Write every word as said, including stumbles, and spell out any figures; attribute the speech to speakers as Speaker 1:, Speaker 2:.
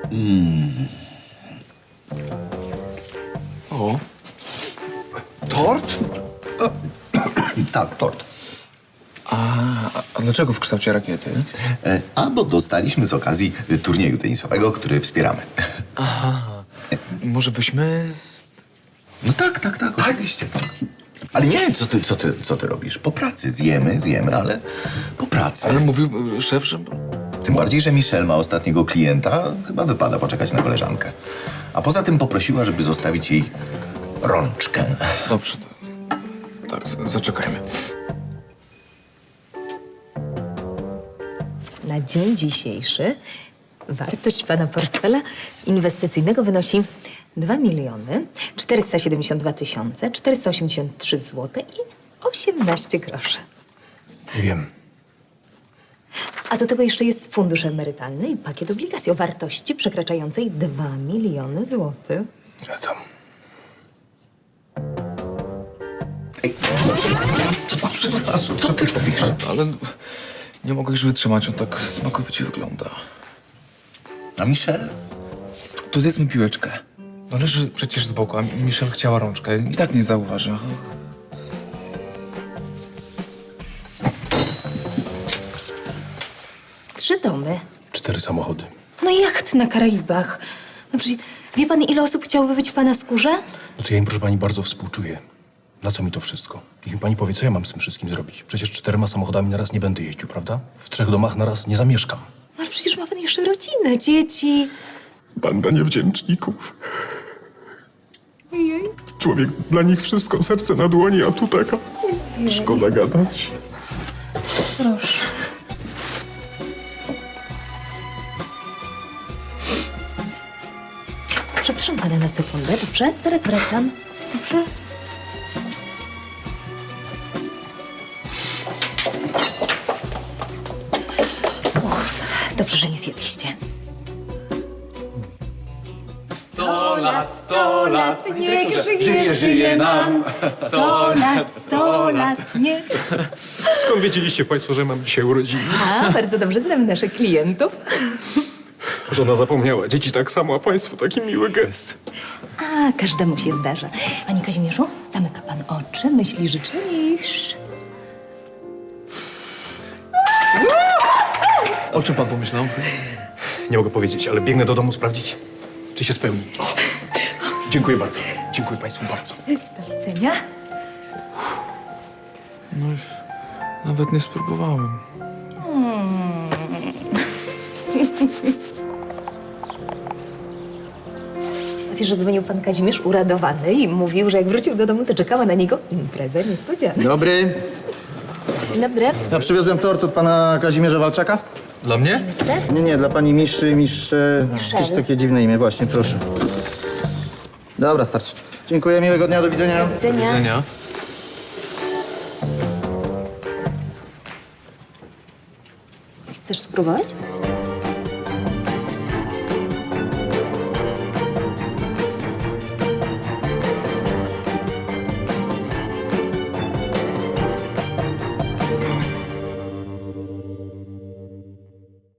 Speaker 1: O,
Speaker 2: Tort? Tak, tort.
Speaker 1: a, a dlaczego w kształcie rakiety?
Speaker 2: E, A, bo dostaliśmy z okazji y, turnieju tenisowego, który wspieramy.
Speaker 1: Może byśmy... Z...
Speaker 2: No tak, tak, tak, oczywiście, tak. Ale nie, co ty, co ty, co ty robisz? Po pracy zjemy, zjemy, ale po pracy.
Speaker 1: Ale mówił y, szef, że...
Speaker 2: Tym bardziej, że Michelle ma ostatniego klienta, chyba wypada poczekać na koleżankę. A poza tym poprosiła, żeby zostawić jej rączkę.
Speaker 1: Dobrze, to... Tak, z- zaczekajmy.
Speaker 3: Na dzień dzisiejszy wartość pana portfela inwestycyjnego wynosi dwa miliony czterysta siedemdziesiąt dwa tysiące czterysta osiemdziesiąt trzy złote i osiemnaście groszy.
Speaker 4: Wiem.
Speaker 3: A do tego jeszcze jest fundusz emerytalny i pakiet obligacji o wartości przekraczającej dwa miliony złotych.
Speaker 4: Ja tam.
Speaker 2: Ej, przepraszam, co ty robisz?
Speaker 1: Ale nie mogę już wytrzymać, on tak smakowicie wygląda.
Speaker 2: A Michelle?
Speaker 1: To zjedzmy piłeczkę. No leży przecież z boku, a Michelle chciała rączkę i tak nie zauważy. Ach.
Speaker 3: Trzy domy.
Speaker 4: Cztery samochody.
Speaker 3: No i jacht na Karaibach. No przecież wie pan, ile osób chciałoby być w pana skórze?
Speaker 4: No to ja im, proszę pani, bardzo współczuję. Na co mi to wszystko? Niech mi pani powie, co ja mam z tym wszystkim zrobić. Przecież czterema samochodami na raz nie będę jeździł, prawda? W trzech domach na raz nie zamieszkam.
Speaker 3: No ale przecież ma pan jeszcze rodzinę, dzieci.
Speaker 4: Banda niewdzięczników. Człowiek dla nich wszystko, serce na dłoni, a tu taka... Szkoda gadać.
Speaker 3: Proszę. Przepraszam pana na sekundę, dobrze? Zaraz wracam. Dobrze? Och, dobrze, że nie zjedliście.
Speaker 1: Sto lat, sto lat,
Speaker 3: niech
Speaker 1: żyje, żyje nam.
Speaker 3: Sto lat, sto lat, nie.
Speaker 4: Skąd wiedzieliście państwo, że mam dzisiaj urodziny?
Speaker 3: A, bardzo dobrze znamy naszych klientów.
Speaker 4: Żona zapomniała. Dzieci tak samo, a państwu taki miły gest.
Speaker 3: A, każdemu się zdarza. Panie Kazimierzu, zamyka pan oczy, myśli życzlisz.
Speaker 1: O czym pan pomyślał?
Speaker 4: Nie mogę powiedzieć, ale biegnę do domu sprawdzić, czy się spełni. O, dziękuję bardzo. Dziękuję państwu bardzo.
Speaker 3: Do widzenia.
Speaker 1: No, nawet nie spróbowałem.
Speaker 3: Wiesz, że dzwonił pan Kazimierz uradowany i mówił, że jak wrócił do domu, to czekała na niego impreza niespodziana.
Speaker 5: Dobry.
Speaker 3: Dzień dobry.
Speaker 5: Ja przywiozłem tort od pana Kazimierza Walczaka.
Speaker 1: Dla mnie?
Speaker 5: Nie, nie, dla pani Miszy, Misz... E, jakieś takie dziwne imię, właśnie, proszę. Dobra, starczy. Dziękuję, miłego dnia, do widzenia.
Speaker 3: Do widzenia.
Speaker 1: Widzenia.
Speaker 3: Chcesz spróbować?